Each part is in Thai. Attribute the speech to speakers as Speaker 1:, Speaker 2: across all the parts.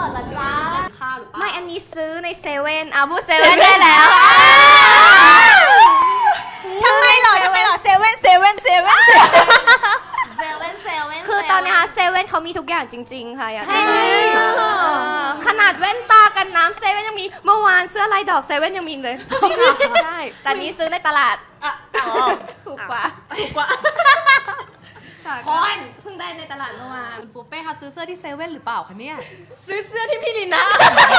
Speaker 1: ดละจ้าข้าวหรือเปล่า
Speaker 2: ไม่อันนี้ซื้อในเซเว่นพูดเซเว่นได้แล้ว
Speaker 3: ทำไมหรอเซเว่น
Speaker 2: คือตอนนี้เซเว่นเขามีทุกอย่างจริงๆค่ะอยากได้ขนาดแว่นตากันน้ำเซเว่นยังมีเมื่อวานเสื้อลายดอกเซเว่นยังมีเลยใช่แต่นี้ซื้อในตลาดถูกกว่าคอนเพิ่งได้ในตลาดเมื่อวาน
Speaker 1: คุณปูเป้เขาซื้อเสื้อที่เซเว่นหรือเปล่าคะเนี่ย
Speaker 4: ซื้อเสื้อที่พี่ลินะ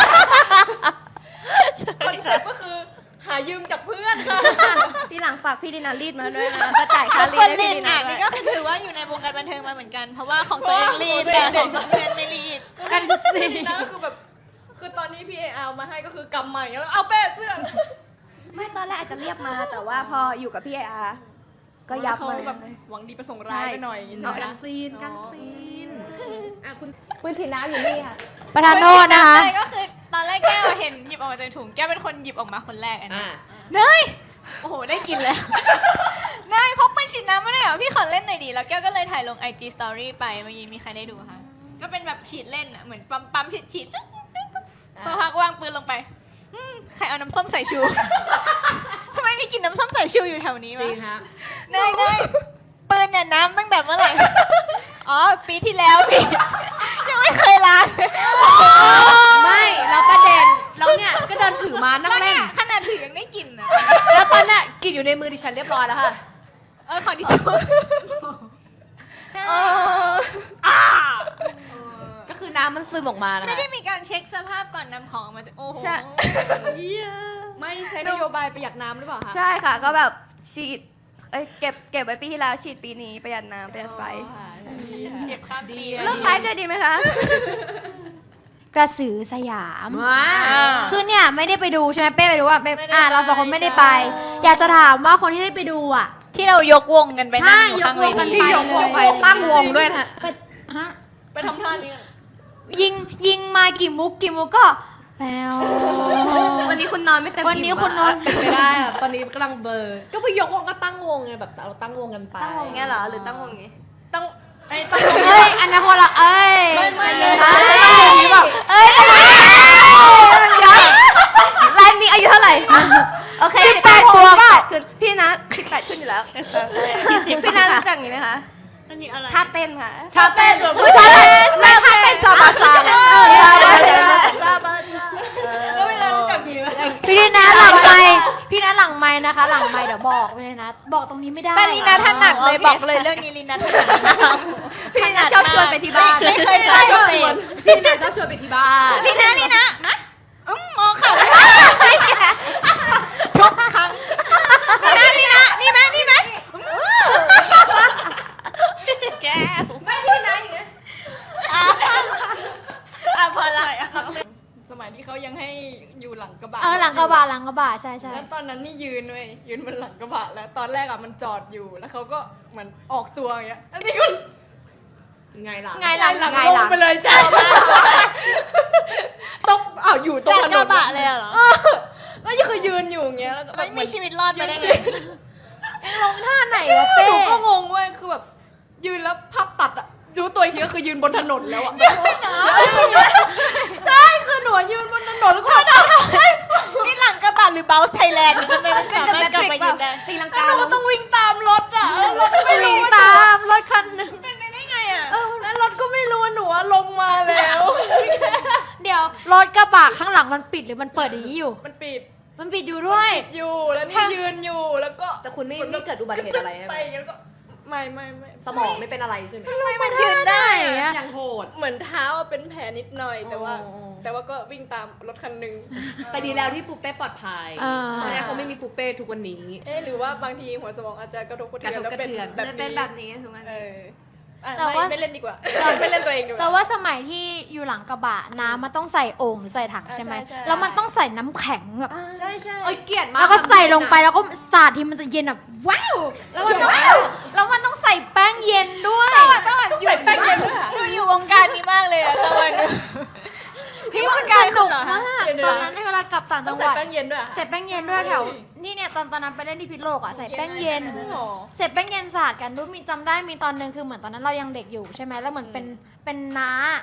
Speaker 4: คอนเซ็ปต์ก็คือหายืมจากเพื่อนค่ะ
Speaker 2: ที่หลังฝากพี่ดินารีดมาด้วยนะจะจ่ายค่ารีด
Speaker 3: คน
Speaker 2: ให้
Speaker 3: รี
Speaker 2: พี่
Speaker 3: ด
Speaker 2: ดินา
Speaker 3: นี่
Speaker 2: ด้วย
Speaker 3: ก็คือถือว่าอยู่ในวงการบันเทิงมาเหมือนกัน เพราะว่าของตัวเองรีดแต่ของเพื่อนไม่รีด
Speaker 4: กันสินะก็คือแบบคือตอนนี้พี่เอเอามาให้ก็คือกำใหม่แล้วเอาเป้เสื้อ
Speaker 2: ไม่ตอนแรกอาจจะเรียบมาแต่ว่าพออยู่กับพี่ไออาร์ก็ยับ
Speaker 4: เขา
Speaker 2: มา
Speaker 4: แบบหวังดีประสงค์ร้ายไปหน่อยอย่างงี้ใช่ไหม
Speaker 1: กันซีนคุณ
Speaker 2: ปืนฉีดน้ำอยู่นี่ค่ะ
Speaker 3: ประธานโทษนะคะก็คือตอนแรกแก้วเห็นหยิบออกมาจากถุงแก้วเป็นคนหยิบออกมาคนแรกอันนี้เนยโอ้โหได้กินแล้วเนยพกปืนฉีดน้ำมาได้เหรอพี่ขอเล่นหน่อยดิแล้วแก้วก็เลยถ่ายลง IG Story ไปเมื่อกี้มีใครได้ดูคะก็เป็นแบบฉีดเล่นอ่ะเหมือนปั๊มฉีดสักพักวางปืนลงไปใครเอาน้ำส้มสายชู ทำไมมีกลิ่นน้ำส้มสายชูอยู่แถวนี้
Speaker 1: จริ
Speaker 3: วะ
Speaker 1: งฮะ
Speaker 3: เนยปืนเนี่ยน้ำตั้งแต่เมื่อไหร่อ๋อปีที่แล้วพี่ยังไม่เคยล้าง
Speaker 1: ไม่แล้วประเด็นแล้วเนี่ยก็เดินถือมานั่งเล่น
Speaker 3: ขนาดถือยังได้กลิ่นนะ
Speaker 1: แล้วตอนน่ะกินอยู่ในมือดิฉันเรียบร้อยแล้วค่ะ
Speaker 3: ขอดิจูใช่
Speaker 1: ก็คือน้ำมันซึมออกมานะ
Speaker 3: ไม่
Speaker 1: คะ
Speaker 3: ได้มีการเช็คสภาพก่อนนำของออกมาจากโอ้โห
Speaker 2: ใช่
Speaker 1: ไม่ใช้นโยบายประหยัดน้ำหรือเปล่าคะ
Speaker 2: ใช่ค่ะก็แบบฉีดเก็บไว้ปีที่แล้วฉีดปีนี้ประหยัดน้ำประหยัดไฟ
Speaker 3: เจ็บข้ามปี
Speaker 2: เลิกไลฟ์ด้วยดีไหมคะ
Speaker 5: กระสือสยาม
Speaker 1: ว้า
Speaker 5: คือเนี่ยไม่ได้ไปดูใช่ไหมเป้ไปดูว่าเราสองคนไม่ได้ไป อยากจะถามว่าคนที่ได้ไปดูอ่ะ
Speaker 3: ที่เรายกวงกันไปนั่งอยู่ข้างเว
Speaker 5: ใช่
Speaker 3: ที
Speaker 5: ยกวงกันไป
Speaker 1: ตั้งวงด้วยนะ
Speaker 5: ฮะ
Speaker 4: ไปทำท่านี้
Speaker 5: ยิงมากี่มุกก็แปว
Speaker 2: วันนี้คุณนอนไม่เต็ม
Speaker 5: วันนี้คุณนอน
Speaker 1: เป็นไปได้อะตอนนี้กำลังเบลอร์ก็ไปยกวงก็ตั้งวงไงแบบเราตั้งวงกันไป
Speaker 2: ตั้งวงเงี้ยเหรอหรือตั้งวงงี้
Speaker 4: ต้อง
Speaker 5: เอ้ยอันนั้นคนละเอ้ย
Speaker 4: ไม่
Speaker 5: เอ้ย
Speaker 2: ไลฟ์นี้อายุเท่าไหร่โอเค18 บวกขึ้นพี่นะ18ขึ้นอยู่แล้วพี่นะรู้จักอย่างนี้ไหมคะท่าเต้นค่ะ
Speaker 4: ท่าเต้นแบบ
Speaker 2: ผู้ชายท่าเต้นจาบาจาเนี่ยจาบาจา
Speaker 4: แล้วเวลารู้จักดีไหม
Speaker 5: พี่นีนะหลังไมค์นะคะ หลังไมค์เดี๋ยวบอกเลยนะ บอกตรงนี้ไม่ได้
Speaker 3: แต่ลีนาถนัดเลยบอกเลยเรื่องนี้ลีนาถนัด
Speaker 2: พี่นะชอบชวนไปที่บ้าน
Speaker 3: ไม่เคยไปเลย
Speaker 1: พี่นายชอบชวนไปที่บ้าน
Speaker 3: ลีนามองเขาทุกครั้งลีนานี่ไหมแก้วไม่พี่นะอย่างเงี้ยพอละ
Speaker 4: สมัยที่เขายังให้อยู่หลังกระบะ
Speaker 5: หลังกระบะใช่
Speaker 4: แล้วตอนนั้นนี่ยืนบนหลังกระบะแล้วตอนแรกอะมันจอดอยู่แล้วเขาก็เหมือนออกตัวอย่างเงี้ยอันนี้ก็
Speaker 1: ไงล่ะ
Speaker 5: ไงหลัง
Speaker 4: ลงไปเลยจ้าต้องอยู่ตรงถนน
Speaker 3: กระบะเลยเหรอ
Speaker 4: ก็ยังคือยืนอยู่อย่างเงี้ยแล้วก็แบบ
Speaker 3: ไม่มีชีวิตรอดมาได้ไง
Speaker 5: ลงท่าไหนวะเป้
Speaker 4: หนูก็งงเว้ยคือแบบยืนแล้วภาพตัดอะรู้ตัวอีกทีก็คือยืนบนถนนแล้วอะใช่คือหนูยืนบนถนนแล้วก็
Speaker 3: นี่หลังกระบะหรือเบลส์ไทยแลนด์ทำไมมันสามารถกลับมายืนได้
Speaker 2: ตีลัง
Speaker 4: แล้
Speaker 2: กาว
Speaker 4: หนูก็ต้องวิ่งตามรถอะแล้วรถก็ไม่รู้
Speaker 5: วิ่ง
Speaker 4: ว่า
Speaker 5: ตามรถคันหนึ่ง
Speaker 3: เป็นไปได้ไงอ่ะ
Speaker 4: แล้วรถก็ไม่รู้ว่าหนูอะลงมาแล้ว
Speaker 5: เดี๋ยวรถกระบะข้างหลังมันปิดหรือมันเปิดอย่างนี้อยู่
Speaker 4: มันปิด
Speaker 5: มันปิดอยู่ด้วย
Speaker 4: อยู่แล้วนี่ยืนอยู่แล้วก็
Speaker 1: แต่คุณไม่เกิดอุบัติเหตุอะไรใช่ไห
Speaker 4: ไป
Speaker 1: ม
Speaker 4: อย่างเงี้ยแล้วก็ไม่
Speaker 1: สมองไม่เป็นอะไรใช่ไหม
Speaker 3: มันยืนได้อะ
Speaker 1: ยังโหด
Speaker 4: เหมือนเท้าอะเป็นแผลนิดหน่อยแต่ว่า
Speaker 1: อ๋อ
Speaker 4: แต่ว่าก็วิ่งตามรถคันหนึ่ง
Speaker 1: แต่ดีแล้วที่ปูเป้ปลอดภัย
Speaker 5: อ่า
Speaker 1: ใช่ไหมเขาไม่มีปูเป้ทุกวันนี้
Speaker 4: หรือว่าบางทีหัวสมองอาจจะกระทบกระเทือน
Speaker 1: กระทบ
Speaker 4: แล้วเป็น
Speaker 1: กระเทือน
Speaker 4: แบบ
Speaker 2: จะเป็นแบบนี้ถูกไหม
Speaker 5: แต่ว่า
Speaker 4: ไม่เล่นดีกว่า ไม่เล่นตัวเองดีกว่า
Speaker 5: แต่ว่าสมัยที่อยู่หลังกระบะน้ำมันต้องใส่โอ่งหรือใส่ถังใช่ไหม
Speaker 4: ใช่
Speaker 5: แล้วมันต้องใส่น้ำแข็งแบบ
Speaker 2: ใช่ใช่
Speaker 1: เอ้ยเกลียดมาก
Speaker 5: แล้วก็ใส่ลงไปแล้วก็สาดทีมันจะเย็นแบบว้าวแล้วมันต้องใส่แป้งเย็นด้วย
Speaker 4: ต้องใส่แป้งเย็นด้วยค่ะ
Speaker 3: ดูอยู่วงการนี้มากเลยอะตะวัน
Speaker 5: พี่มันสนุกมาก
Speaker 4: เดี๋ยวๆ
Speaker 5: ตอนนั้นในเวลากลับต่าง
Speaker 4: ต้
Speaker 5: จั
Speaker 4: อง
Speaker 5: งห
Speaker 4: ใส่
Speaker 5: วัด
Speaker 4: แป้งเย็นด้วยอะ
Speaker 5: ใส่แป้งเย็นด้วยแถวนี่เนี่ยตอนนั้นไปเล่นที่พิษณุโลกอ่ะใส่แป้งเย็น
Speaker 4: จริงเหรอ
Speaker 5: เสร็จแป้งเย็นสาดกันด้วยมีจำได้มีตอนหนึงคือเหมือนตอนนั้นเรายังเด็กอยู่ใช่ไหมแล้วเหมือนเป็นน้า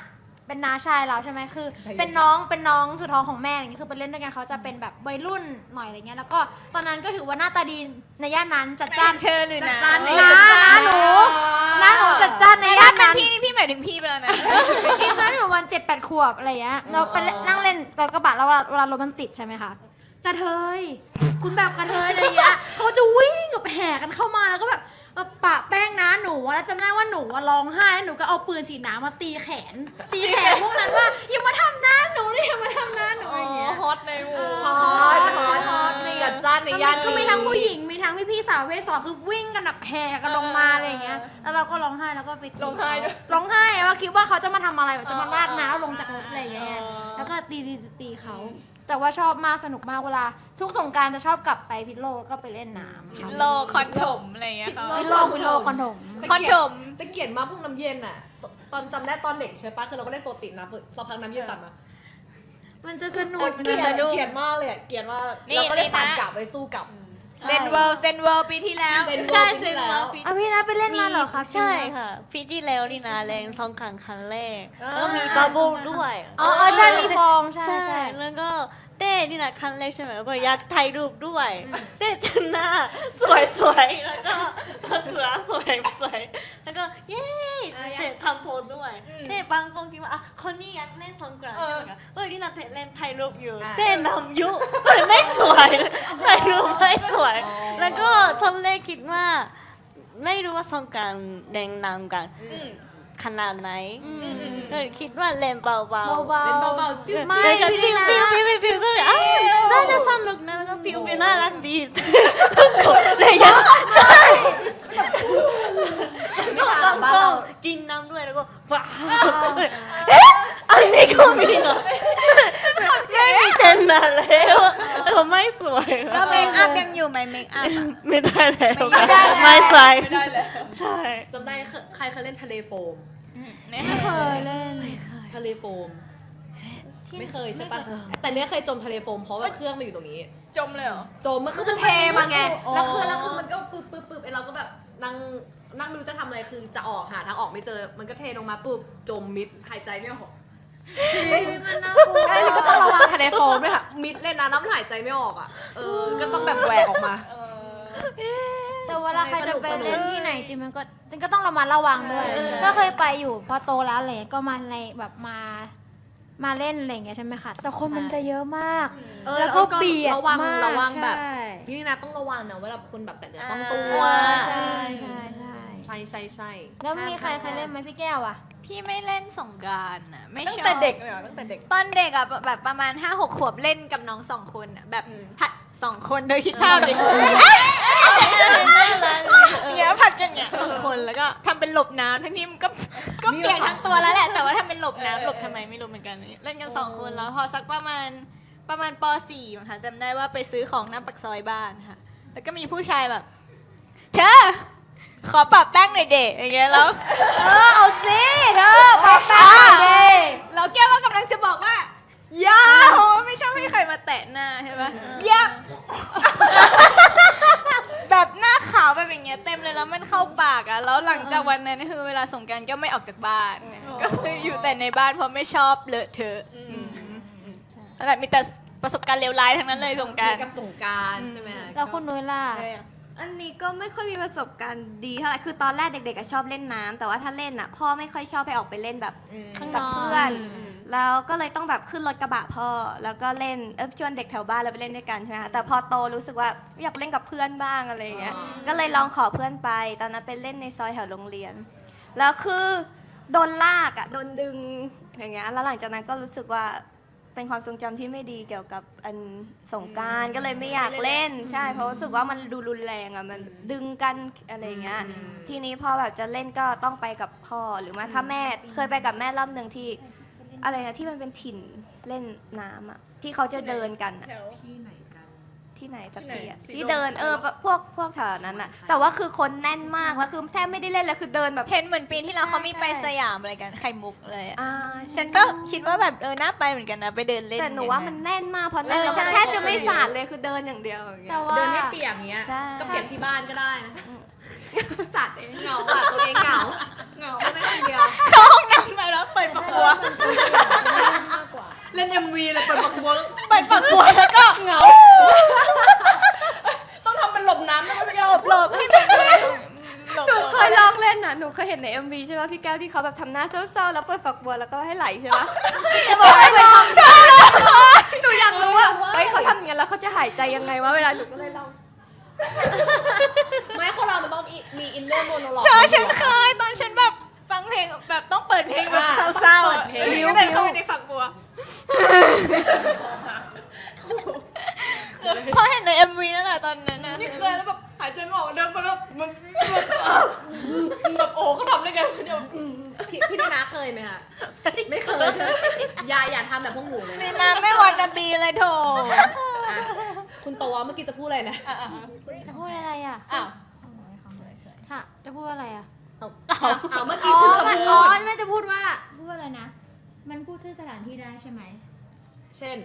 Speaker 5: เป็นน้าชายเราใช่ไหมคือเป็นน้องสุดท้องของแม่อย่างเงี้ยคือไปเล่นด้วยกันเขาจะเป็นแบบวัยรุ่นหน่อยอะไรเงี้ยแล้วก็ตอนนั้นก็ถือว่าหน้าตาดีในย่านนั้นจัดจ้าน
Speaker 3: เธอหรือ
Speaker 1: จัด
Speaker 3: นะ
Speaker 1: จ้านใน
Speaker 5: น้าหนูจัดจ้านในย่าน
Speaker 3: เป็
Speaker 5: นั้น น
Speaker 3: พี่นี่พี่หมายถึงพี่ไปแล้วนะ
Speaker 5: พี่ตอนอยู่วัน7-8 ขวบอะไรเงี้ยเราไปนั่งเล่นรถกระบะแล้วเวลารถมันติดใช่ไหมคะกระเทยคุณแบบกระเทยอะไรเงี้ยเขาจะวิ่งกับแห่กันเข้ามาแล้วก็แบบมาปะแป้งนะหนูแล้วจำได้ว่าหนูร้องไห้แล้วหนูก็เอาปืนฉีดน้ำมาตีแขนพวกนั้นว่าอย่ามาทำหน้าหนูนี่อย่ามาทำหน้าหนูอย่างเงี้ย
Speaker 3: ฮอตในหมู่
Speaker 5: ฮอต
Speaker 1: จัดจ้านในย่าน
Speaker 5: ก็มีทั้งผู้หญิงมีทั้งพี่สาวประเภท2คือวิ่งกันแบบแห่กันลงมาอะไรอย่างเงี้ยแล้วเราก็ร้องไห้แล้วก็ไปตี
Speaker 4: ร้องไห้ด้วย
Speaker 5: ร้องไห้ว่าคิดว่าเขาจะมาทำอะไรแบบจะมาลาดน้ำลงจากรถอะไรอย่างเงี้ยแล้วก็ตีเขาแต่ว่าชอบมากสนุกมากเวลาทุกสงกรานต์จะชอบกลับไปพิษโลกแล้วก็ไปเล่นน้ำค่ะ
Speaker 3: โลคอนถมอะไรอย่างเงี้ยค่ะ
Speaker 5: พิษโลกคอนถม
Speaker 3: คอนถม
Speaker 1: แต่เกลียดมากพวกน้ำเย็นอ่ะ ตอนจำได้ตอนเด็กใช่ปะคือเราก็เล่นโปรตีนนะสักพักน้ำเย็นตัดมา
Speaker 5: มันจะสนุก
Speaker 1: เกลียดเกลียดมากเลยอะเกลียดว่าเราก็เลยฝันกลับไปสู้กลับ
Speaker 3: เซนเวิลด์ปีที่แล้ว
Speaker 1: เซนเวิลด์
Speaker 3: ใช่
Speaker 1: ปีที่
Speaker 3: เซน
Speaker 1: แล้
Speaker 3: เวิ
Speaker 1: ว
Speaker 3: ลด์ปี
Speaker 5: อ่ะพี่นะไปเล่นมาเหรอครับ
Speaker 6: ใช่ค่ะปีที่แล้วนี่นะแรงซองขังครั้งแรก
Speaker 1: อ่า
Speaker 6: แล้วก็มีบับเบิ้ลด้วย
Speaker 5: อ๋อใช่มีฟองใช่
Speaker 6: แล้วก็เต้นี่นะครั้งแรกใช่ไหมก็อยากถ่ายรูปด้วยเต้จนหน้าสวยๆแล้วก็เสือสวยแล้วก็เย้เต้ทำโพสด้วยเต้บางคนคิดว่าอ่ะคนนี้อยากเล่นสงกรานต์ใช่ไหมคะเฮ้ยนี่นะเต้เล่นถ่ายรูปอยู่เต้นำยุไม่สวยถ่ายรูปไม่สวย แล้วก็ตอนแรกคิดว่าไม่รู้ว่าสงกรานต์แดงนำกันขนาดไหนก็คิดว่าเล่นเบาๆ
Speaker 5: เบา
Speaker 1: เล่น
Speaker 5: ๆ
Speaker 1: เบาๆปิ้ว
Speaker 5: ไม่
Speaker 6: แล้วก็
Speaker 5: พี่
Speaker 6: ฟิว
Speaker 5: นะ
Speaker 6: ฟิวก็เลยอ้าวน่าจะสนุกนะแล้วก็ฟิวน่ารักดีเลยยังใช่
Speaker 1: ไม่ต่างบ้านเรา
Speaker 6: กินน้ำด้วยแล้วก็ว้าวอันนี้ก็มีเหรอไม่มีเจนนานแล้วเขาไม่สวย
Speaker 3: แล้วเมคอัพยังอยู่ไหมเมคอัพ
Speaker 6: ไม่ได้แล้ว
Speaker 3: ไม่ได้แล้ว
Speaker 6: ไม่ใส่
Speaker 4: ไม่ได้แล้ว
Speaker 6: ใช่
Speaker 1: จำได้ใครเคยเล่นทะเลโฟม
Speaker 5: ไม่เคยเล่น
Speaker 1: ทะเลโฟม ไม่เคยใช่ปะแต่เนี้ยเคยจมทะเลโฟมเพราะว่าเครื่องมันอยู่ตรงนี้
Speaker 4: จมเลยเหรอ
Speaker 1: จมมันคือมันเทมาไง
Speaker 4: อ๋อ
Speaker 1: แล้วคือมันก็ปึ๊บไอเราก็แบบนั่งไม่รู้จะทำอะไรคือจะออกหาทางออกไม่เจอ มันก็เทลงมาปุ๊บจมมิดหายใจไม่ออก
Speaker 5: มันน่ากลัว
Speaker 1: ใช่ก็ต้องระวังทะเลโฟมด้วยค่ะมิดเลยนะน้ำหายใจไม่ออกอ่ะก็ต้องแบบแหวกออกมา
Speaker 5: แต่เวลาใครจะไปเล่นที่ไหนจริงมันก็ต้องระมัดระวังด้วย
Speaker 1: ใช่
Speaker 5: ก็เคยไปอยู่พอโตแล้วอะไรก็มาในแบบมาเล่นอะไรอย่างเงี้ยใช่ไหมคะแต่คนมันจะเยอะมาก แล้วก็เบียด
Speaker 1: ระวัง
Speaker 5: มาก
Speaker 1: ระวังแบบ
Speaker 5: ใช่
Speaker 1: นี่นะต้องระวังนะเวลาคนแบบแต่เนื้อต้องตัว
Speaker 5: ใช่
Speaker 1: ใช่
Speaker 5: แล้วมีใครเล่นไหมพี่แก้วอ่ะ
Speaker 3: พี่ไม่เล่นสงกรานต์อ่ะไม่
Speaker 4: ตั้ง
Speaker 3: ชอบ
Speaker 4: แต่เด็กเลยเหรอตั้งแต่เด็ก
Speaker 3: ตอนเด็กอ่ะแบบประมาณ 5-6 ขวบเล่นกับน้อง2 คนอ่ะแบบผัด2 คนโดยคิดภาพดิเนี่ยผัดกันเนี่ย2 คนแล้วก็ทำเป็นหลบน้ำทั้งนี้มันก็เปียกทั้งตัวแล้วแหละแต่ว่าทำเป็นหลบน้ำหลบทำไมไม่รู้เหมือนกันเล่นกัน2 คนแล้วพอสักประมาณป .4 มั้งคะจำได้ว่าไปซื้อของหน้าปากซอยบ้านค่ะแล้วก็มีผู้ชายแบบเธอขอปรับแป้งหน่อยเด็อย่างเงี้ยแล้ว
Speaker 5: เอาสิเธอปากแป้งเด้
Speaker 3: เราแก้วก็กำลังจะบอกว่าอย่าโหไม่ชอบให้ใครมาแตะหน้าใช่ไหมอย่าแบบหน้าขาวแบบอย่างเงี้ยเต็มเลยแล้วมันเข้าปากอ่ะแล้วหลังจากวันนั้นคือเวลาสงกรานต์ก็ไม่ออกจากบ้านก็คืออยู่แต่ในบ้านเพราะไม่ชอบเลอะเทอะนั่นแหละมีแต่ประสบการณ์เลวร้ายทั้งนั้นเลยสงกรานต์
Speaker 1: กับสงการใช่ไหม
Speaker 5: แล้วคุณนุ้ยล่ะ
Speaker 2: อันนี้ก็ไม่ค่อยมีประสบการณ์ดีเท่าไหร่คือตอนแรกเด็กๆอะชอบเล่นน้ำแต่ว่าถ้าเล่นอ่ะพ่อไม่ค่อยชอบให้ออกไปเล่นแบบ
Speaker 5: ข้างน
Speaker 2: กับ
Speaker 5: อก
Speaker 2: เพื่อน แล้วก็เลยต้องแบบขึ้นรถกระบะพ่อแล้วก็เล่นชวนเด็กแถวบ้านเราไปเล่นด้วยกันใช่ไหมคะแต่พอโตรู้สึกว่าอยากเล่นกับเพื่อนบ้างอะไรอย่างเงี้ยก็เลยลองขอเพื่อนไปตอนนั้นไปเล่นในซอยแถวโรงเรียน แล้วคือโดนลากอ่ะโดนดึงอย่างเงี้ยแล้วหลังจากนั้นก็รู้สึกว่าเป็นความทรงจำที่ไม่ดีเกี่ยวกับอันสงกรานต์ก็เลยไม่อยากเล่นใช่เพราะรู้สึกว่ามันดูรุนแรงอ่ะมันดึงกันอะไรอย่างเงี้ยทีนี้พอแบบจะเล่นก็ต้องไปกับพ่อหรือว่าถ้าแม่เคยไปกับแม่รอบหนึ่งที่อะไรนะที่มันเป็นถิ่นเล่นน้ำอ่ะที่เขาจะเดินกันอะ ที่ไหนสักทีอะ
Speaker 4: ที่ไหน
Speaker 2: ที่เดินพวกแถวนั้นอะแต่ว่าคือคนแน่นมากแล้วคือแทบไม่ได้เล่นเลยคือเดินแบบ
Speaker 3: เห็นเหมือนปีที่แล้วเขามีไป
Speaker 2: ใช่
Speaker 3: สยามอะไรกันไข่มุกเลยอะ
Speaker 2: อ่า
Speaker 3: ฉันก็คิดว่าแบบน่าไปเหมือนกันนะไปเดินเล่น
Speaker 2: แต่หนูว่ามันแน่นมากเพราะแน่น
Speaker 3: เออ
Speaker 2: แล้วมัน
Speaker 3: ใช่
Speaker 2: แทบจะไม่สาดเลยคือเดินอย่างเดียวอย่างเงี้
Speaker 5: แต่
Speaker 2: ย
Speaker 5: ว่า
Speaker 1: เดินให้เปียกเงี้ย
Speaker 2: ใช่
Speaker 1: ก็เปียกที่บ้านก็ได้นะ
Speaker 2: สาดเอง
Speaker 1: เหงาตัวเองเหงาไม่ได้คนเดียว
Speaker 3: เข้าห้องน้ำมาแล้วเปิดประตูบัว
Speaker 1: เล่น MV เลยเปิดฝักบัว
Speaker 3: เปิดฝักบัวแล้วก็
Speaker 1: เหงา ต้องทำเป็นหลบน้ำนะไม่ใช่
Speaker 3: หลบให้มันเลย
Speaker 2: หนูเคยลองเล่นน่ะ หนูเคยเห็นใน MV ใช่ไหมพี่แก้วที่เขาแบบทำหน้าเศร้าๆแล้วเปิดฝักบัวแล้วก็ให้ไหลใช่ไหมจะบอกให้ไปทำหนูอยากรู้ว่าเฮ้ยเขาทำอย่างนั้นแล้วเขาจะหายใจยังไงวะเวลาหนูก็เลยลอง
Speaker 1: ไม่คนเรามันต้องมีอินเนอร์โมโนโลก
Speaker 3: ฉันเคยตอนฉันแบบฟังเพลงแบบต้องเปิดเพลงแบบเศร้าๆ
Speaker 1: เปิดเพลง
Speaker 3: ก็เดินเข้าไปในฝักบัวพอเห็นใน MV นั่นแหละตอนนั้นนะ
Speaker 1: นี่เคยแล้วแบบหายใจไม่ออกเดินไปแล้วมันแบบโอ้เขาทำได้ไงเดี๋ยวพี่ดีนาเคยไหมคะไม่เคยใช่ไหมอย่าทำแบบพวกหนูเลย
Speaker 3: นี่นะไม่วันนาบีเลยโถ
Speaker 1: อ่ะคุณโตวเมื่อกี้จะพูดอะไรนะ
Speaker 5: จะพูดอะไรอ่ะ
Speaker 1: อ้าว
Speaker 5: ค่ะ จะพูดอะไรอ่ะ
Speaker 1: เอาเมื่อกี้คุณจะพู
Speaker 5: อ๋อ
Speaker 1: ด
Speaker 5: ไม่จะพูดว่าอะไรนะ มันพูดชื่อสถานที่ได้ใช่ไหม
Speaker 1: เช่น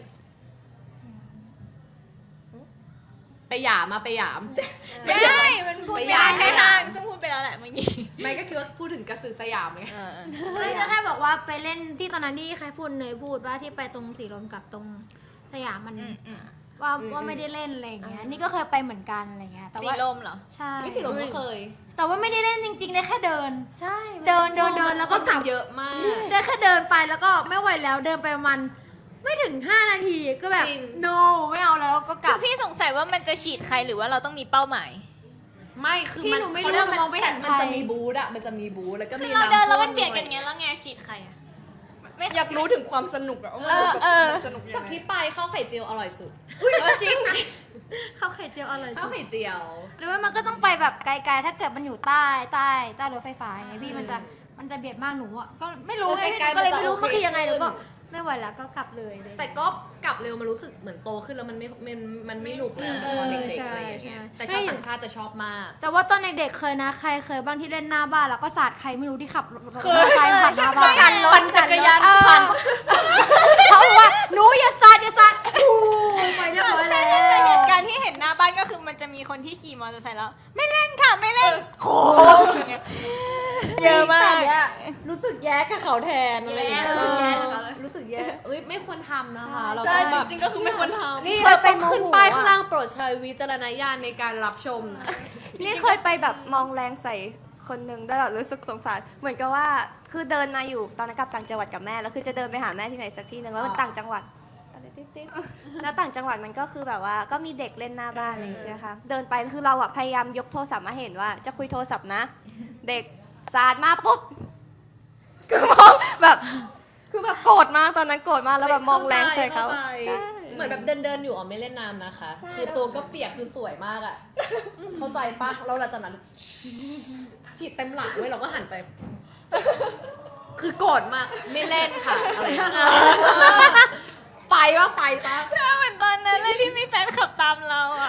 Speaker 1: ไปหยามไปหยาม
Speaker 3: ได้มันพูด
Speaker 1: ไป
Speaker 3: ไม่
Speaker 1: หยา
Speaker 3: ได้
Speaker 1: ม
Speaker 3: แค่ทางซึ่งพูดไปแล้วแหละเมื่อกี้
Speaker 1: ไม่ก็คิดว่าพูดถึงกระสือสยามไง
Speaker 5: ไม่ก็แค่บอกว่าไปเล่นที่ตอนนั้นที่ใครพูดเนยพูดว่าที่ไปตรงสีลมกับตรงสยามมันว่าไม่ได้เล่นอะไรอย่างเงี้ย นี่ก็เคยไปเหมือนกันอะไรเงี้ย แต่
Speaker 3: สี
Speaker 5: ว่า
Speaker 3: ลมเหรอ
Speaker 5: ใช่
Speaker 1: ไม่สิเราก็เคย
Speaker 5: แต่ว่าไม่ได้เล่นจริงๆได้แค่เดิน
Speaker 2: ใช่
Speaker 5: เดินแล้วก็กลับ
Speaker 1: เยอะมาก
Speaker 5: ได้แค่เดินไปแล้วก็ไม่ไหวแล้วเดินไปประมาณไม่ถึง5 นาทีก็แบบ
Speaker 1: จริง
Speaker 5: no ไม่เอาแล้วก็กลับ
Speaker 3: พี่สงสัยว่ามันจะฉีดใครหรือว่าเราต้องมีเป้าหมาย
Speaker 1: ไม่คือ
Speaker 5: พี่
Speaker 1: มัน
Speaker 5: หนูไม่
Speaker 1: เขา
Speaker 5: รู้
Speaker 1: เรียกว่า
Speaker 5: มองไม่เห็น
Speaker 1: มันจะ
Speaker 5: ใคร
Speaker 1: มีบูธอะมันจะมีบูธแล้วก็
Speaker 3: คื
Speaker 1: มี
Speaker 3: อเราเดินแล้วมัน
Speaker 1: ำ
Speaker 3: เบียดกัน
Speaker 1: ด้ว
Speaker 3: เงี้ยแล้วไงฉีดใครอะ
Speaker 1: อยากรู้ถึงความสนุกอะว่ามันแบบมันสนุกยัง
Speaker 2: จาก
Speaker 1: ไง
Speaker 2: ที่ไปข้าวไข่เจียวอร่อยสุด
Speaker 5: จริงข้าวไข่เจียวอร่อย
Speaker 1: ข้า
Speaker 5: สุ
Speaker 1: ว
Speaker 5: ด
Speaker 1: ไข่เจียว
Speaker 5: หรือว่ามันก็ต้องไปแบบไกลๆถ้าเกิดมันอยู่ใต้รถไฟฟ้าไงพี่มันจะเบียดมากหนูอ่ะก็ไม่รู้ไง
Speaker 1: ไกลๆ
Speaker 5: ก็เลยไม่รู้
Speaker 1: มันจะ
Speaker 5: มันคือยังไง
Speaker 1: โอเค
Speaker 5: หนูก็ไม่ไหวแล้วก็กลับเลยเลย
Speaker 1: แต่ก็กลับเร็วมันรู้สึกเหมือนโตขึ้นแล้วมันไม่หนุกแล้ว
Speaker 5: เออ
Speaker 1: ตอนเด็กๆ
Speaker 5: ใช่
Speaker 1: อะไรอย่างเงี้ย
Speaker 5: ใช่
Speaker 1: แต่ชาวต่างชาติจะชอบมาก
Speaker 5: แต่ว่าตอนเด็กๆเคยนะใครเคยบ้างที่เล่นหน้าบ้านแล้วก็สาดใครไม่รู้ที่ขับรถ
Speaker 1: เคย
Speaker 5: ใครผ่านหน้าบ้าน
Speaker 1: ปั่นจักรยาน
Speaker 5: เออ
Speaker 1: ผ่าน
Speaker 5: เขาบอกว่าหนูอย่าสาดอู้ไปเรียบร้อยแล้ว
Speaker 3: แต่เหตุการณ์ที่เห็นหน้าบ้านก็คือมันจะมีคนที่ขี่มอเตอร์ไซค์แล้ว ไม่เล่นค่ะไม่เล่นโค้งเยอะมาก
Speaker 1: แต่เนี่ยรู้สึกแย่กับเขาแทนอะไรอย่างเงี้ย
Speaker 5: รู้สึกแย่กับเขา
Speaker 1: รู้สึกแย่เอ้ยไม่ควรทำนะคะเรา
Speaker 4: ใช่
Speaker 1: ต้อง
Speaker 4: จ
Speaker 1: แบบ
Speaker 4: ริงๆก็คือไม่ควรทำ
Speaker 1: นี่เราต้องขึ้นป้ายข้างล่างโปรดใช้วิจารณญาณในการรับชมนะ
Speaker 2: นี่เคยไปแบบมองแรงใส่คนหนึ่งได้แบบรู้สึกสงสาร เหมือนกับว่าคือเดินมาอยู่ตอนนั้นกลับต่างจังหวัดกับแม่แล้วคือจะเดินไปหาแม่ที่ไหนสักที่หนึ่งแล้วมันต่างจังหวัดอะไรติ๊ดๆแล้วต่างจังหวัดมันก็คือแบบว่าก็มีเด็กเล่นหน้าบ้านอะไรอย่างเงี้ยใช่ไหมคะเดินไปคือเราอะพยายามยกโทรศัพท์มาเห็นว่าจะคุยโทรศัพท์นะ เด็กสาดมาปุ๊บคือมองแบบคือแบบโกรธมากตอนนั้นโกรธมากแล้วแบบมองแรงใส่เขา
Speaker 1: ข้ใจเหมือนแบบเดินอยู่อ๋อไม่เล่นน้ำนะคะ คือตัวก็เปียกคือสวยมากอ่ะ เข้าใจปะเราหลังจากนั้นฉีดเต็มหลังเว้ยเราก็หันไป คือโกรธมากไม่เล่นค่ะอะไรอย่างเงี้ยไฟปะไฟปะ
Speaker 3: เหมือนตอนนั้นเลยที่มีแฟนขับตามเราอ่ะ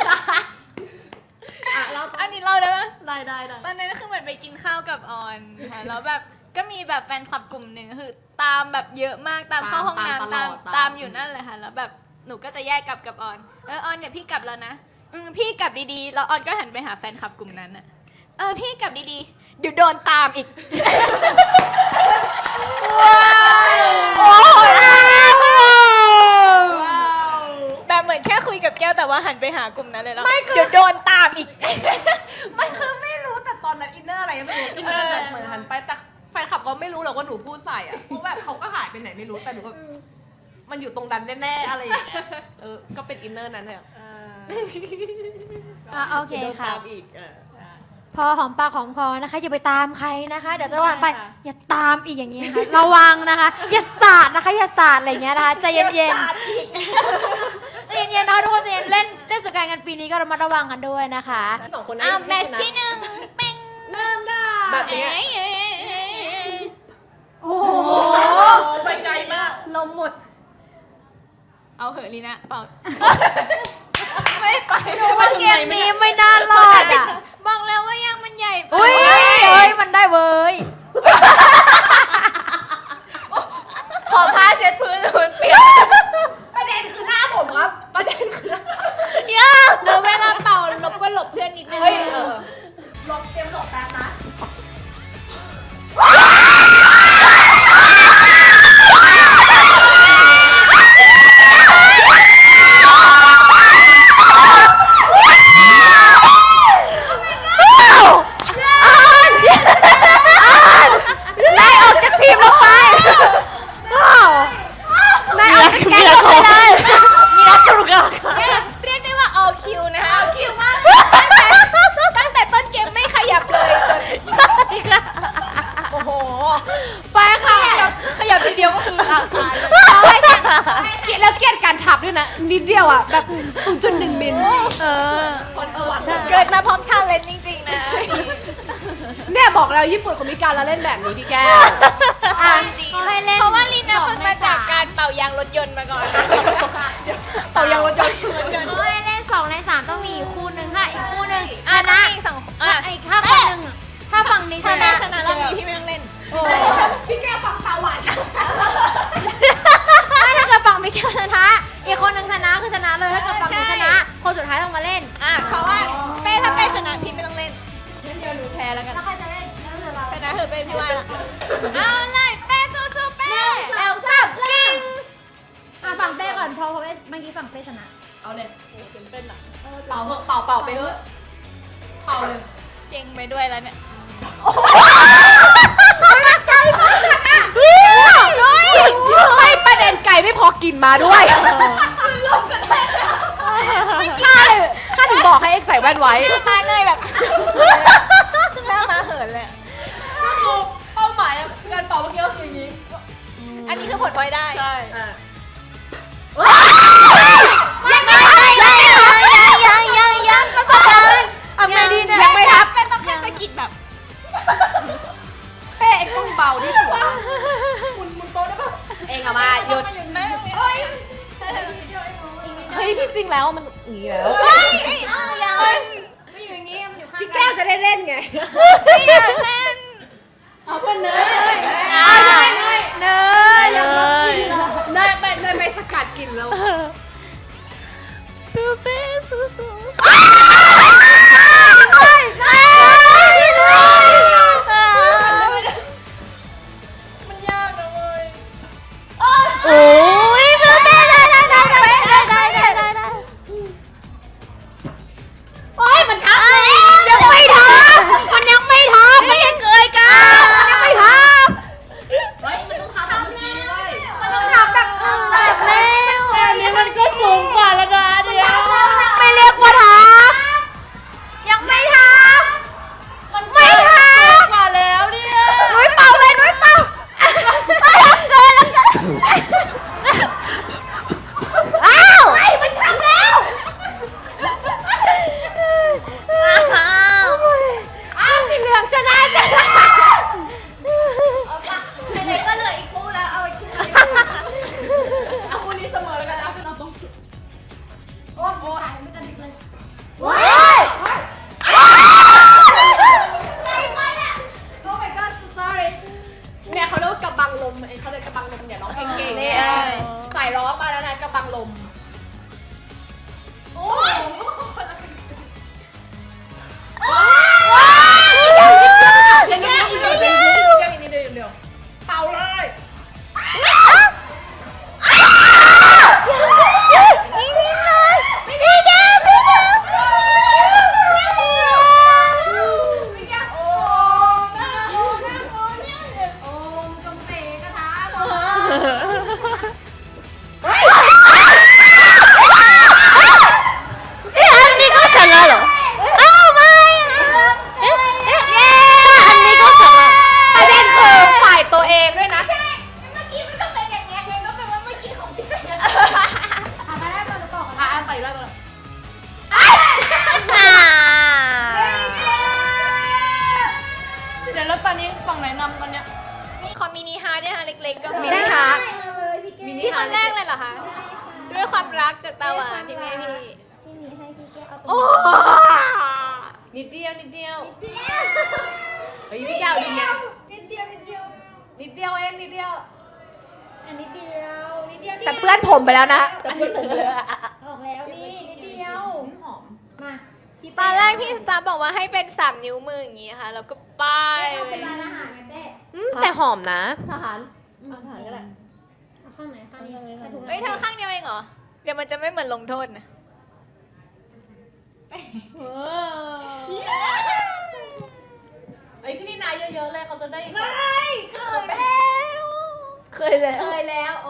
Speaker 1: อ่ะเรา
Speaker 3: อันนี้เราได้ปะ
Speaker 1: ได้
Speaker 3: ตอนนั้นก็คือเหมือนไปกินข้าวกับออนค่ะแล้วแบบก็มีแบบแฟนคลับกลุ่มหนึ่งคือตามแบบเยอะมากตามเข้าห้องน้ำตามอยู่นั่นเลยค่ะแล้วแบบหนูก็จะแยกกลับกับออนออนเนี่ยพี่กลับแล้วนะพี่กลับดีๆแล้วออนก็หันไปหาแฟนคลับกลุ่มนั้นอ่ะพี่กลับดีๆเดี๋ยวโดนตามอีกแบบเหมือนแค่คุยกับแก้วแต่ว่าหันไปหากลุ่มนั้นเลยแล้วเดี๋ยวโดนตามอีก
Speaker 1: ไม่คือไม่รู้แต่ตอนนั้นอินเนอร์อะไรไม่รู้อินเนอร์แบบเหมือนหันไปแต่แฟนคลับก็ไม่รู้หรอกว่าหนูพูดใส่อ่ะเพราะแบบเขาก็หายไปไหนไม่รู้แต่หนูก็มันอยู่ตรงนั้นแน่ๆอะไรอย่างเงี้ยก็เป็นอินเนอร์นั้นแหละ
Speaker 5: โอเคค่ะ
Speaker 1: ตามอีก
Speaker 5: พอหอมปากหอมคอนะคะอย่าไปตามใครนะคะ เดี๋ยวจะวันไปอย่าตามอีกอย่างเงี้ยนะคะระวังนะคะ อย่าสาดนะคะอย่าสาดอะไรอย่างเงี้ยนะคะใจเย็นๆใจเย็นๆนะคะทุกคนใจเย็นเล่นสงกรานต์กันปีนี้ก็ระมัดระวังกันด้วยนะคะ
Speaker 1: สองคนนั้น
Speaker 3: แมตช์ที่หนึ่งเป็ง
Speaker 5: เริ่มได้
Speaker 1: แบบเนี้ย
Speaker 5: โอ้โห
Speaker 1: ไปไกลมาก
Speaker 2: ลมหมด
Speaker 3: เอาเหอะลีนะเปล่า
Speaker 5: ว่าเกมนี้ไม่น่ารอดอ่ะ
Speaker 3: บอกแล้วว่ายังมันใหญ่ไป
Speaker 5: อุ้ยมันได้เว้ย
Speaker 2: ขอผ้าเช็ดพื้นพื้นเปียก
Speaker 1: ประเด็นคือหน้าผมครับประเด็นคือ
Speaker 3: เดี๋ยวเวลาเป่าลบก็หลบเพื่อนนิดนึง
Speaker 1: ลองเตรียมหลบแป๊บนะ
Speaker 2: พิมพ์ลงไปนายเอาสแกนลงไปเลย
Speaker 6: มีรักตุกอะ
Speaker 3: เรียกได้ว่า all kill นะคะ
Speaker 2: คิวมาก
Speaker 3: ตั้งแต่ต้นเกมไม่ขยับเลยจน
Speaker 6: ใช่ค่ะ
Speaker 3: โอ้โห
Speaker 2: ไปค่ะ
Speaker 3: ขยับทีเดียวก็คืออ่ะตายเลย
Speaker 2: เกลียดแล้วเกลียดการทับด้วยนะนิดเดียวอ่ะแบบ 0.1 มิล
Speaker 6: เออ
Speaker 3: เกิดมาพร้อมชาเลนจ์จริงๆนะ
Speaker 2: เนี่ยบอกแล้วญี่ปุ่นเขามีการละเล่นแบบนี้พี่แก้วอ่ะ
Speaker 5: เขาให้เล่น
Speaker 3: เพราะว่าลินนะ
Speaker 5: 2
Speaker 3: เพิ่ง
Speaker 5: ใน
Speaker 3: มาจาก
Speaker 5: 3
Speaker 3: การเป่ายางรถยนต์มาก่อน
Speaker 2: เต่ายางรถยนต์
Speaker 5: เขาให้เล่น2 ใน 3 ต้องมีอีกคู่หนึ่งถ้าอีกคู่หนึ่งช
Speaker 3: อ่ะ
Speaker 5: นะ
Speaker 3: อีกสอง
Speaker 5: ถ้าอีกถ้าฝั่งหนึ่งถ้าฝั่งนี้ช
Speaker 3: ถ้า
Speaker 5: นะ
Speaker 3: แม่ชนะรอบนี้พี่ไม่ต้องเล่น
Speaker 2: พี่แก้วฟังตาหวาน
Speaker 5: ถ้าเกิดฝั่งไม่ชนะ อีกคนหนึ่งชนะคือชนะเลยถ้าเกิดฝั่งหนูชนะ คนสุดท้ายต้องมาเล่น
Speaker 3: อ่ะเพราะว่าเป้ถ้าเป้ชนะพี่ไม่ต้องเล่นงั้นเดี๋ยวหนูแพ้แล้วกัน
Speaker 5: แล้วใครจะเล่นแล้วเหลือเรา
Speaker 3: ชนะเถอะเป้พี่ว่าละเอาเลยเป้สู้ๆเป้
Speaker 5: แล้วจับเล่นฝั่งเป้ก่อนเพราะเมื่อกี้ฝั่งเป้ชนะ
Speaker 1: เอาเลยเป่าเหอะเป่าไปเถอะเป่าเลย
Speaker 3: เก่งไปด้วยแล้วเนี่ย
Speaker 2: ไม่ประเด็นไก่ไม่พอกินมาด้วยข้าถึงบอกให้เอ็กใส่แว่นไว้
Speaker 3: มาเลยแบบหน้ามาเหินเลย
Speaker 1: ก็คือเป้าหมายการเป่าเมื่อกี้ก็คืออย่างนี้
Speaker 3: อันนี้คือผลพลอยได้
Speaker 1: ใช่
Speaker 2: ยังประสบการณ์เอาไงดีเนี่ยยังไม่ทับ
Speaker 3: เป็นต้องแค่สะกิดแบบ
Speaker 2: เป้เอ็กต้องเบาที่สุดเองอะมาหยุด
Speaker 3: แม่
Speaker 2: เฮ้ยที่จริงแล้วมันอย่างนี้แล้ว
Speaker 5: ไม่อยู่อย่างนี้มันอยู่ข้าง
Speaker 2: พี่แก้วจะได้เล่นไง
Speaker 1: เอาเป็นเนย
Speaker 2: เนยไปสกัดกินแล้ว
Speaker 6: ดูเป้สู้
Speaker 3: มันยากนะเว้ย
Speaker 6: ๆโอ้ยดูเป้ได้
Speaker 5: โอ้ยมันทับเลยยังไม่ทับมันยังไม่ทับไม่ยังเกยกันมันยังไม่ทับ
Speaker 1: เฮ้ยมันต้องทำแบบนี้เว้ย
Speaker 5: มันต้องทับแบบแล้ว
Speaker 6: อันนี้มันก็สูงกว่าแล้วนะเดี๋ยว
Speaker 5: ไม่เรียกว่าทับยังไม่ทับมันไม่ทับ
Speaker 1: กว่าแล้วเนี่ย
Speaker 5: นุ้ยเป่าเลยนุ้ยเป่าไม่ทับเกินแล้วกันอ้าวไอ้มันทำแล้ว อ้าวสีเหลืองชนะจ้ะไหนๆก็เหลืออีกคู่แล้วเอาอีกคู่นึง
Speaker 1: เอาคนนี้เสมอแล้วกันเอาเป็นเอาต้อง
Speaker 5: โอ้โหตายไม่กันอีกเลย
Speaker 2: ว้าย
Speaker 5: ใจไปอ่ะ โอ้ my god so sorry
Speaker 2: เนี่ยเขาเรียกว่ากระบังลมเขาเรียกกระบังลมเนี่ยร้องเพลงเก่งเนี่ยใส่ร้องมาแล้วนะกระบังลม
Speaker 1: โอ้ย
Speaker 2: เดี๋ยวอีกนิดเดียวเป่าเลย
Speaker 6: อันนี้ก็ชนะเหรออ้าวไม่อันนี้ก็ชนะ
Speaker 2: ประเด็นคือฝ่ายตัวเองด้วยนะ
Speaker 5: เมื่อกี้มันก็เป็นอย่างเงี้ยเองก็เป็นว่าเมื่อกี้ของพี่เป็นอย่างเงี้ยมาได้มาดูก่อน
Speaker 2: อ่ะไปเลย
Speaker 1: เดี๋ยวแล้วตอนนี้ฝั่งไหนนำตอนเนี้ย
Speaker 3: ขอมินิฮาร์ดด้วยค่ะเล็กๆก็
Speaker 2: มินิฮาร์ท
Speaker 1: มินิ
Speaker 3: ที่ค
Speaker 1: ฮาร์
Speaker 3: น
Speaker 1: ด
Speaker 3: แรกเลยเหรอคะ ด้วยความรักจากตาหวานที่แม่พี่
Speaker 5: ที่มีให้พี่แก้วเอาตรง
Speaker 3: โอ้
Speaker 1: นิดเดียวนิดเดียวเฮ้ยพี่แก้วนิดเดียว
Speaker 5: นิดเดียวนิดเดียว
Speaker 1: นิดเดียวเองนิดเดียว
Speaker 5: อันนิดเดียวนิดเดียว
Speaker 2: แต่เปื้อนผมไปแล้วนะ
Speaker 1: แต่เพื่อนผมเลย
Speaker 5: ออกแล้วนี่นิดเดียว
Speaker 1: หอม
Speaker 5: มาพี่
Speaker 3: ตอนแรกพี่สตาร์บอกว่าให้เป็น3 นิ้วมืออย่างงี้ค่ะ แล้วก็ป้าย
Speaker 5: เอาเป็นร้านอาหารไงเต้
Speaker 2: แต่หอมนะ
Speaker 1: ทหารทหารก็ได้
Speaker 5: เอาข้างไหนข้างนี้ใส่ถุง
Speaker 3: เฮ้ยเธอข้างเดียวเองเหรอ เดี๋ยวมันจะไม่เหมือนลงโทษนะ
Speaker 1: เอ้ยพี่ลีนาเยอะๆเลยเขาจะได้
Speaker 5: ไม่เคยเล่น
Speaker 1: แล้วโอ้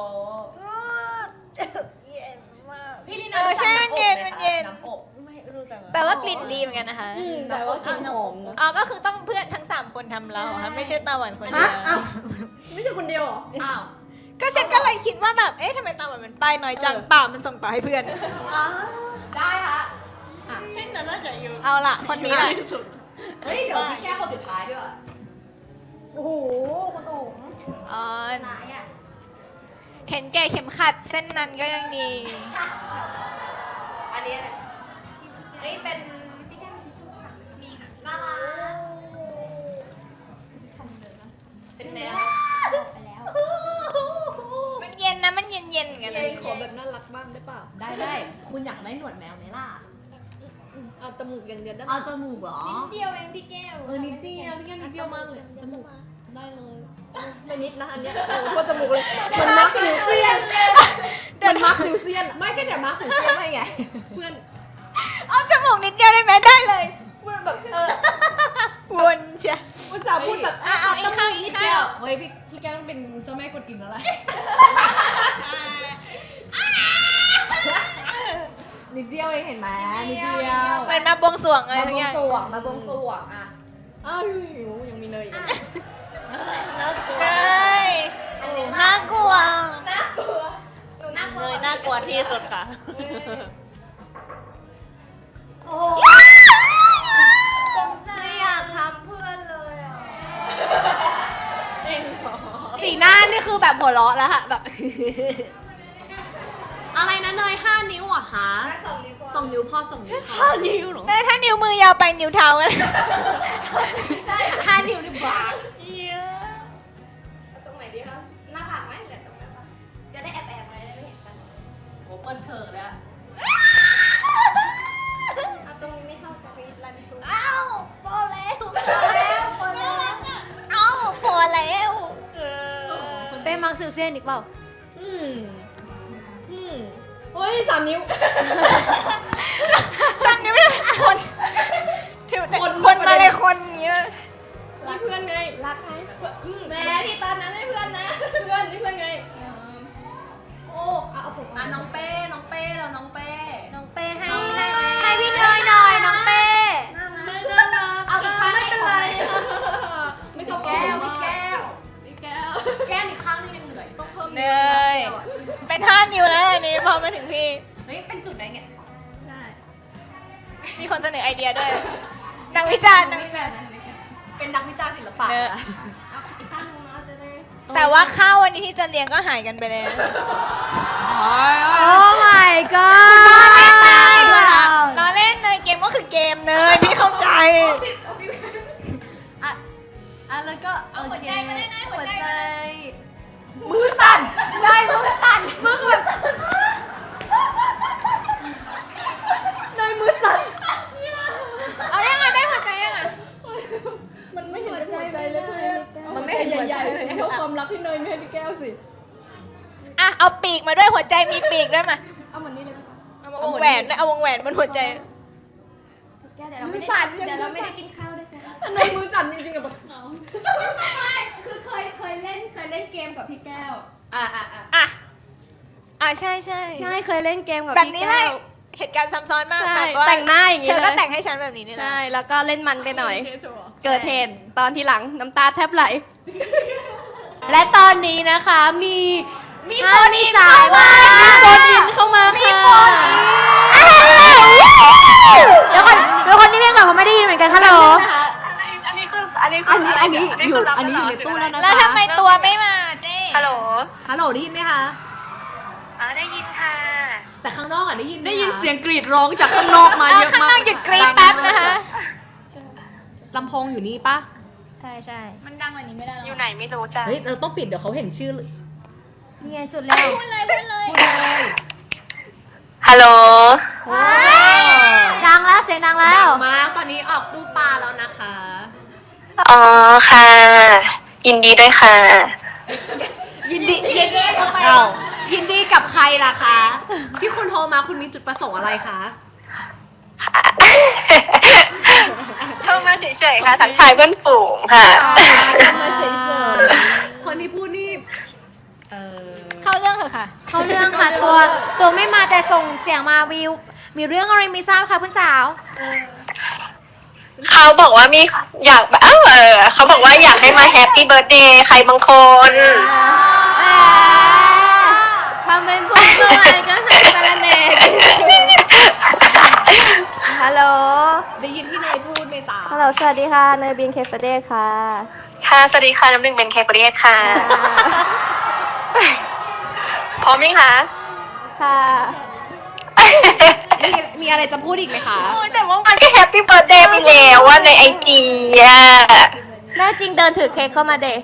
Speaker 1: พี่ลีนา
Speaker 3: ใช่มันเย็นมันเย็น
Speaker 1: น้ำอบ
Speaker 6: ไม่รู้จัก
Speaker 3: แต่ว่ากลิ่นดีเหมือนกันนะคะ
Speaker 1: แต่ว่ากลิ่นหอมนะ
Speaker 3: อ๋อก็คือต้องเพื่อนทั้ง3คนทำเราค่ะไม่ใช่ตาหวานคนเดียว
Speaker 4: ไม่ใช่คนเดียวเหรอ
Speaker 1: อ้าว
Speaker 3: ก็ฉันก็เลยคิดว่าแบบเอ๊ะทำไมตาหวานมันป้ายน้อยจังเปล่ามันส่งต่อให้เพื่อน
Speaker 1: ได้ค่ะ
Speaker 6: แค่นั้นน่าจะอยู่
Speaker 3: เอาล่ะคนนี้แหละ
Speaker 6: ที่สุด
Speaker 1: เฮ้ยเดี๋ยวพี่แก้คนสุดท้ายด้วย
Speaker 5: โอ้โหคุณโอ๋ง
Speaker 3: อ๋อ
Speaker 5: ไหนอ่ะ
Speaker 3: เห็นแก่เข็มขัดเส้นนั้นก็ยังดี
Speaker 1: อันนี้อะไรเอ้ยเป็นพี่แก้มีทิชชู่ค่ะมีค่ะน่ารักเป็นแมว
Speaker 5: ไปแล้ว
Speaker 3: มันเย็นนะมันเย็นเย็นๆเหมือนกันนะ
Speaker 1: ขอแบบน่ารักบ้างได้เปล่าได้คุณอยากได้หนวดแมวไหมล่ะเอาจมูกอย่างเดียวได้เอาจมูกเหรอ
Speaker 5: นิดเดียวเองพี่แก้ว
Speaker 1: นิดเดียวพี่แก้วนิดเดียวมากเลยจมูกได้เลยไม่นิดนะอันเนี้ยโอ้โหจมูกเลยมันมาร์คซิวเซียนมันมาร์คซิวเซียนไม่ก็เดี๋ยวมาร์คซิวเซียนให้ไงเพื่อน
Speaker 3: เอาจมูกนิดเดียวได้ไหมได้เลย
Speaker 1: เพื่อนแบบ
Speaker 3: วนเชีย
Speaker 1: อุตส่าห์พูดแบบ
Speaker 3: เอาอีกข้างอีกข้าง
Speaker 1: เฮ้ยพี่แก้วต้องเป็นเจ้าแม่กดกิ่งแล้วแหละนิดเดียวเองเห็นไหมนิดเดียว
Speaker 3: เหมือนมาบวงสรวงอะไร
Speaker 1: มา
Speaker 3: ทุ
Speaker 1: บ
Speaker 3: ก
Speaker 1: ว
Speaker 3: อง ย่าง
Speaker 1: สรวงมาบวงสรวงอ่ะอ้าวหิวยังมีเนยอีก
Speaker 6: น่ากลัว
Speaker 3: ได้
Speaker 6: น่ากลัว
Speaker 1: น่ากลัวหนูน่ากลัว
Speaker 6: เลยน่ากลัวที่สุดค่ะ
Speaker 5: โอ้โหไม่อยากทำเพื่อนเลยอ่ะ
Speaker 6: จริงเหรอ
Speaker 1: สีหน้านี่คือแบบหัวเราะแล้วค่ะแบบ อะไรนะเนย5 นิ้วอ่ะคะ2 นิ้วพอ2 นิ้วพอ
Speaker 6: 5 นิ้วเหรอ
Speaker 3: ได้ถ้านิ้วมือยาวไปนิ้วเท้ากัน
Speaker 1: 5 นิ้วดีกว่า
Speaker 6: เหี้ย
Speaker 5: ตรงไหนดีคะหน้าผากไหมหรือตรงนั้นปะจะได้แอบไว้ได้ไม่เห็นฉัน
Speaker 1: โอ้เปิดเถอะเลยอะ
Speaker 5: เอาตรงนี้ไม่เข้ากัน
Speaker 3: ลันทู
Speaker 6: เอ้าพอแล้ว
Speaker 3: เอ้าพอแล้ว
Speaker 6: เออ
Speaker 5: เป้มังซิลเซียนอีกเปล่า
Speaker 1: อืมเฮ้ย3 นิ้ว
Speaker 3: จำนิ้วไม่ได้คนถือคนมาเลยคนอย่างเงี้ย
Speaker 1: นี่เพื่อนไงรักไหมแม่ที่ตอนนั้นให้เพื่อนนะเพื่อนนี่เพื่อนไงโอ้เอาผมน้องเป้แล้วน้องเป้
Speaker 5: น้องเป้ให้พี่เนยหน่อยน้องเป้
Speaker 1: ไม่น่ารักเอาอีกครั้งไม่เป็นไรไม่ชอบแก้วแก้มอีกครั้งนึงยังเหลือต้องเพิ่ม
Speaker 3: เนยเป็น5 นิ้วแล้วอันนี้พอมาถึงพี่
Speaker 1: เฮ้ยเป็นจุดไหนเงี้ยได้
Speaker 3: มีคนเสนอไอเดียด้วยนักวิจารณ์นักวิจารณ์
Speaker 1: เป็นนักวิจารณ์ศิลปะ
Speaker 3: เนอะ
Speaker 5: อีกข้างหนึงเนาะจะได้
Speaker 3: แต่ว่าข้าววันนี้ที่จะเลี้ยงก็หายกันไปเลย
Speaker 5: โอ้ my god
Speaker 3: ล้อเล่นเนยเกมก็คือเกมเนยพี่เข้าใจ
Speaker 1: แล้วก็โอเค
Speaker 3: หัวใจมาได้ไหมหัวใจ
Speaker 1: มือสั่นได้มือสั่นมือแบบนายมือสั่น
Speaker 3: เอายังไงได้หัวใจยังไง
Speaker 4: มันไม่เห็นเป็นหัวใจเลยเพื่อน
Speaker 1: มันไม่เห็นหัวใจ
Speaker 4: ใหญ่ๆเท่าความรักที่เนยไม่ให้พี่แก้วสิ
Speaker 3: อ่ะเอาปีกมาด้วยหัวใจมีปีกด้วยมา
Speaker 4: เอาเหมือนนี้เลยไหมคะ
Speaker 3: เอาวงแหวนด้วยเอาวงแหวนบนหัวใจ
Speaker 5: แก้วเดี๋ยวเราไม่ได้กินข้าวด้วยกัน
Speaker 1: นายมือสั่นจริงๆอะแบบ
Speaker 4: คือเคยเล่นเกมกับพี่แก้ว
Speaker 3: อ่ะใช่ใช่
Speaker 2: ใช่เคยเล่นเกมกับ
Speaker 3: แบบ
Speaker 2: พี่
Speaker 3: นี้
Speaker 2: แก้
Speaker 3: เลยว เหตุการณ์ซ้ำซ้อนมาก
Speaker 2: ใช่
Speaker 3: แบบว่า
Speaker 2: แต่งหน้าอย่างงี้
Speaker 3: เธอก็
Speaker 2: เลย
Speaker 3: แต่งให้ฉันแบบนี้นี่แหละ
Speaker 2: ใช่แล้วก็เล่นมันไปหน่อย
Speaker 4: เกมโชว์เหรอ
Speaker 2: เกิดเหตุตอนที่หลังน้ำตาแทบไหล
Speaker 1: และตอนนี้นะคะมี
Speaker 2: คนอีสายมามีคนอินเข้ามาค่ะ
Speaker 5: เดี๋ยวคนที่เรียกแบบเขาไม่ได้ยินเหมือนกันฮัลโหล
Speaker 6: อันนี้
Speaker 1: อยู่ในตู้แล้วนะ
Speaker 3: แล้วทำไมตัวไม่มาเจ๊
Speaker 6: ฮัลโหล
Speaker 1: ฮัลโหลได้ยินไหมคะ
Speaker 6: ได้ยินค่ะ
Speaker 1: แต่ข้างนอกได้ยินไหมคะ
Speaker 2: ได้ยินเสียงกรีดร้องจากข้างนอกมาเยอะ
Speaker 3: ข้าง
Speaker 2: มาก
Speaker 3: นอกหยุดกรี๊ดแป๊บนะคะ
Speaker 1: ลำโพงอยู่นี่ปะ
Speaker 5: ใช่ใช่
Speaker 3: มันดังกว่านี้ไม่ได้หรอ
Speaker 6: อยู่ไหนไม่รู้จ้ะ
Speaker 1: เฮ้ยเราต้องปิดเดี๋ยวเขาเห็นชื่อ
Speaker 5: นี่ไงสุดแล้ว
Speaker 3: พูดเลยพูดเลย
Speaker 6: ฮัลโหล
Speaker 5: ดังแล้วเสียงดังแล้ว
Speaker 1: มาตอนนี้ออกตู้ปลาแล้วนะคะ
Speaker 6: อ๋อค่ะ ยินดีด้วยค่ะ
Speaker 1: ยินดีกับใครล่ะคะ ที่คุณโทรมาคุณมีจุดประสงค์อะไรคะ
Speaker 6: โทรมาเฉยๆค่ะทักทายเพื่อนฝูงค่ะ
Speaker 1: มาเฉยๆคนที่พูดนี่
Speaker 3: เข้าเรื่องเถอะค่ะ
Speaker 5: เขาเรื่องค่ะตัวไม่มาแต่ส่งเสียงมาวิว มีเรื่องอะไรไม่ทราบค่ะคุณสาว
Speaker 7: เขาบอกว่ามีอยากแบบเขาบอกว่าอยากให้มาแฮปปี้เบิร์ดเดย์ใครบางคน
Speaker 2: ทำเป็นพูดด้วยก็ใส่สารเนกฮัลโหล
Speaker 1: ได้ยินที่เนยพูดไหมจ๊ะ
Speaker 2: ฮัลโหล สวัสดีค่ะ เนยบินเคฟเดย์ค่ะ
Speaker 7: ค่ะสวัสดีค่ะน้ำหนึ่งเป็นเคปเรียค่ะ พร้อมไหมคะ
Speaker 2: ค่ะ
Speaker 1: มีอะไรจะพูดอีกไหมคะ
Speaker 7: โอ้ยแต่ว่ามันก็แฮปปี้เบิร์ดเดย์ไปแล้วว่าในไอจีอ่ะ
Speaker 2: แน่จริงเดินถือเค้กเข้ามาเดย์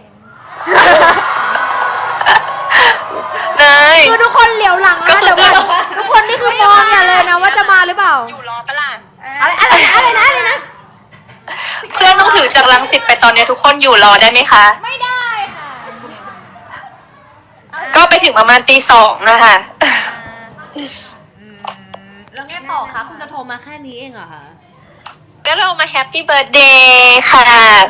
Speaker 7: เนย
Speaker 5: คือทุกคนเหลียวหลังนะเดี๋ยวก่อนทุกคนนี่คือมองอย่าเลยนะว่าจะมาหรือเปล่า
Speaker 7: อยู่รอปะล่ะ
Speaker 5: อะไรนะ
Speaker 7: เพื่อนต้องถือจากรังสิตไปตอนนี้ทุกคนอยู่รอได้ไหมคะ
Speaker 3: ไม่ได้ค่ะ
Speaker 7: ก็ไปถึงประมาณตี 2นะคะ
Speaker 1: แล้วไงต่อคะคุณจะโทรมาแค่นี้เองเหรอคะ
Speaker 7: ก็เรามาแฮปปี้เบิร์ดเดย์ค่ะ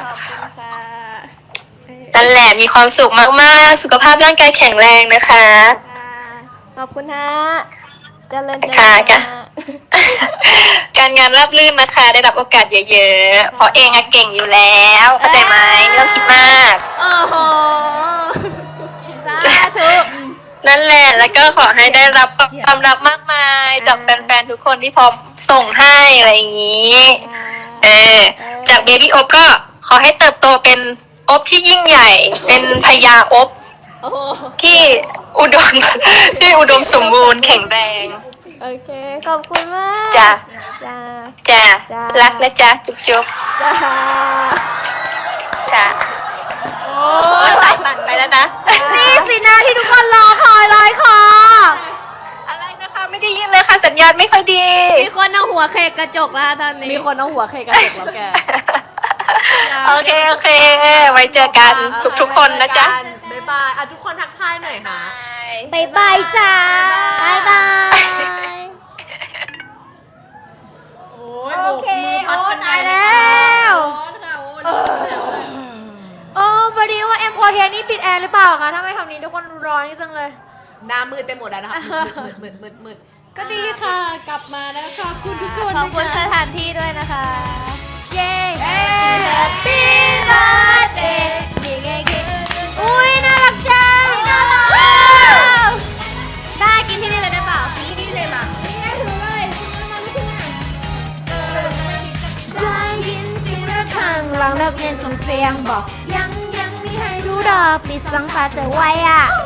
Speaker 7: นั่นแหละมีความสุขมากๆ สุขภาพร่างกายแข็งแรงนะคะ
Speaker 2: ขอบคุณฮะเจริญเจริญ
Speaker 7: ค่ะ
Speaker 2: ค่ะ
Speaker 7: การงานราบรื่นนะคะ ได้รับโอกาสเยอะๆ เพราะเองอะเก่งอยู่แล้ว เข้าใจไหมไม่ต้องคิดมาก
Speaker 2: โอ้โห สาธุ
Speaker 7: นั่นแหละ แล้วก็ขอให้ได้รับความรักมากมายจากแฟนๆ ทุกคนที่พร้อมส่งให้อะไรอย่างนี้ จากเบบี้อบก็ขอให้เติบโตเป็นอบที่ยิ่งใหญ่ เป็นพญาอบที่อุดม ที่อุดมสมบูรณ์แข็งแรง
Speaker 2: โอเค ขอบคุณมาก
Speaker 7: จ้ะ
Speaker 2: จ้า
Speaker 7: จ้ะ
Speaker 2: จ้ะ
Speaker 7: รักนะจ๊ะ จุ๊บจุ๊บ
Speaker 2: จ้า
Speaker 7: จ้ะโอ้สายตันไปแล้วนะ
Speaker 5: นี่สินะที่ทุกคนรอคอยเลยค่ะ
Speaker 7: อะไรนะคะ ไม่ได้ยินเลยค่ะ สัญญาณไม่ค่อยดี
Speaker 2: มีคนเอาหัวเค้กกระจกแล้วตอนนี้
Speaker 1: มีคนเอาหัวเคกระเด็กแล้วแก
Speaker 7: โอเค โอเค ไว้เจอกันทุกๆคนนะจ๊ะ
Speaker 1: บ๊ายบายทุกคนทักทายหน่อยค่ะ
Speaker 5: บายบายจ้า
Speaker 2: บายบาย
Speaker 5: โอเค โอ้ตายแล้วพอดีว่าเอ็มโคเทียนี่ปิดแอร์หรือเปล่าคะถ้าไม่ทำนี้ทุกคนร้อนจังเลย
Speaker 1: หน้ามืดไปหมดแล้วนะคะมืดก็ดีค่ะ กลับมาแล้วค่ะคุณทุกคน
Speaker 2: ขอบคุณสถานที่ด้วยนะคะ
Speaker 5: เย้ Happy birthday นี่ไงคืออุ้ยน่ารักจังน่ารัก
Speaker 2: ได้กินที่นี่เลยได้เปล่า
Speaker 1: นี่เลยมา
Speaker 5: ได้ถือเลยมาไม่ถึงอ่ะได้ยินเสียงระฆังหลังเลิกเรียนส่งเสียงบอกยังมีให้ดูดอกปิดสังตาจะไว้อ่ะ